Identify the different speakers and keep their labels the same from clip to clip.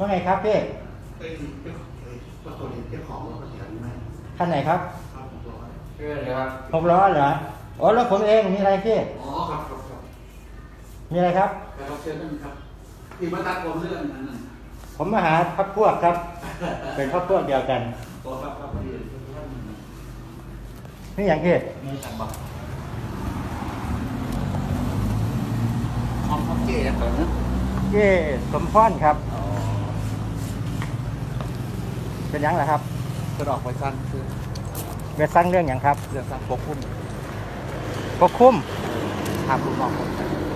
Speaker 1: ว่าไงครับพี่
Speaker 2: ก็ตัวนี้เจ้าของรถเสียไหม
Speaker 1: คันไหนครับ
Speaker 2: เชื่อเลยครับ
Speaker 1: 6 ล้อเหรออ๋อรถผมเองมีอะไรพี่
Speaker 2: อ๋อครับ
Speaker 1: มีอะไรครับ
Speaker 2: ครับเชิญท่านครับที่มาตัดผมเรื่องนั้น
Speaker 1: ผมมาหาพักพวกครับ เป็นพักพวกเดียวกัน
Speaker 2: ตัวครับพอดี
Speaker 1: นี่อย่างพี่
Speaker 2: มีสั่งบอกของเก๋แบบนั้น
Speaker 1: เก้สมพรครับเป็นยังไงครับ
Speaker 2: จะออกไปสั้นคือ
Speaker 1: ไปสร้างเรื่องอย่างครับ
Speaker 2: เรื่องสั้นปกคุ้มทำลูกน้องคน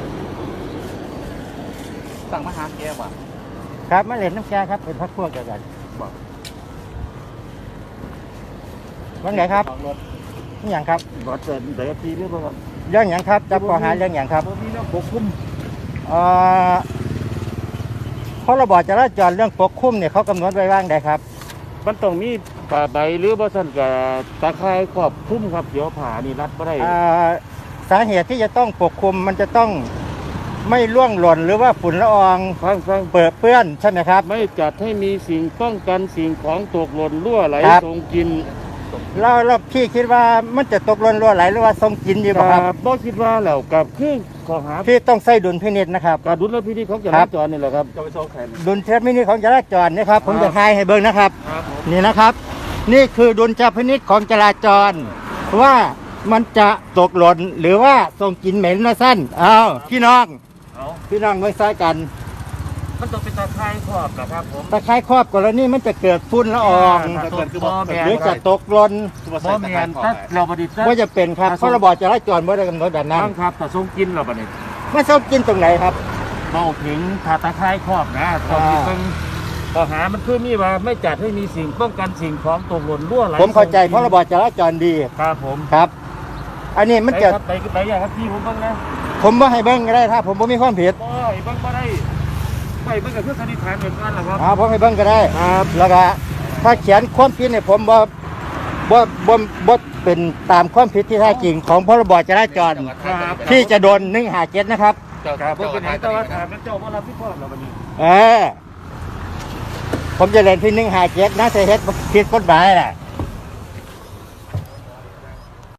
Speaker 2: สั่งมาหาแกว่ะ
Speaker 1: ครับมาเล่นน้ำแกครับเป็นพักพวกเดียวกัน
Speaker 2: บอก
Speaker 1: ว่าไงครับนี่อย่างครับ
Speaker 2: รถเดินเดี๋ยวทีเรื่องอะไร
Speaker 1: เรื่องอย่างครับจะขอหาเรื่องอย่างครับ
Speaker 2: มีเรื่องปกคุ้ม
Speaker 1: พรบจราจรเรื่องปกคุ้มเนี่ยเขากำหนดไว้ว่างใดครับ
Speaker 3: มันต้องมีป่าใบหรือบ่ซั่นก็ตะไคร้ครอบคลุมครับเดี๋ยวผ่านี่รัดบ่ได้
Speaker 1: สาเหตุที่จะต้องปกคลุมมันจะต้องไม่ร่วงหล่นหรือว่าฝุ่นละออง
Speaker 3: ฟัง
Speaker 1: เปิดเปื้อนใช่ไหมครับ
Speaker 3: ไม่จัดให้มีสิ่งป้องกันสิ่งของตกหล่นรั่วไหลส่งกิน
Speaker 1: แล้วพี่คิดว่ามันจะตกหล่นรั่วไหลหรือว่าส่งกินดีบ่ครับ
Speaker 3: บ่คิดว่าแล้วกับคือข้อหา
Speaker 1: พี่ต้องใส่ดุลพินิจนะครับ
Speaker 3: การดุลพินิจของจราจรนี่แหละครับ
Speaker 2: จะไปโชว์แขน
Speaker 1: ดุลพินิจของจราจรนะครับผมจะทายให้เบิ่งนะครับนี่นะครับนี่คือดุลพินิจของจราจรว่ามันจะตกหล่นหรือว่าส่งกลิ่นเหม็นนะสั้นพี่น้องเมื่อซ้ายกัน
Speaker 3: มันต้องเป็นตะไคร้ครอบนะครับผม
Speaker 1: ตะไคร้ครอบกรณีมันจะเกิดฝุ่นละอองหรือจะตกหล่น
Speaker 3: บ่แม่นถ้าเราบ่ได้
Speaker 1: ว่าจะเป็นครับพรบจราจรบ่ได้กำหนดแบบนั้น
Speaker 3: ครับถ้าส่งกินเราบ่ได้
Speaker 1: ไม่ส่งกินตรงไหนครับ
Speaker 3: เมาถึงถ้าตะไคร้ครอบนะต้องมีข้อหามันคือมีว่าไม่จัดให้มีสิ่งป้องกันสิ่งของตกหล่นรั่วไหล
Speaker 1: ผมเข้าใจพรบจราจรดี
Speaker 3: ครับผม
Speaker 1: ครับอันนี้มันจะ
Speaker 3: ไปอย่างครับพี่ผมบ้างนะ
Speaker 1: ผมบ่ให้เบิ่งก็ได้ถ้าผมบ่มีความผิด
Speaker 3: บ่ให้เบิ่งบ่ได้ไปเบิ่งกับเพื่อนสันนิษฐานเหมือนกันแหละครับ
Speaker 1: ผมให้เบิ่งก็ได้
Speaker 3: ครับ
Speaker 1: แล้วก็ถ้าเขียนความผิดเนี่ยผมบ่เป็นตามความผิดที่แท้จริงของพรบจราจรที่จะโดน157นะครับ
Speaker 3: ครับผมเป็นแต่ว่าถามเจ้าบ่รับผิดชอบแล้วบัดนี้
Speaker 1: ผมจะเล่นที่157นะแต่เฮ็ดผิดกฎหมายแหละ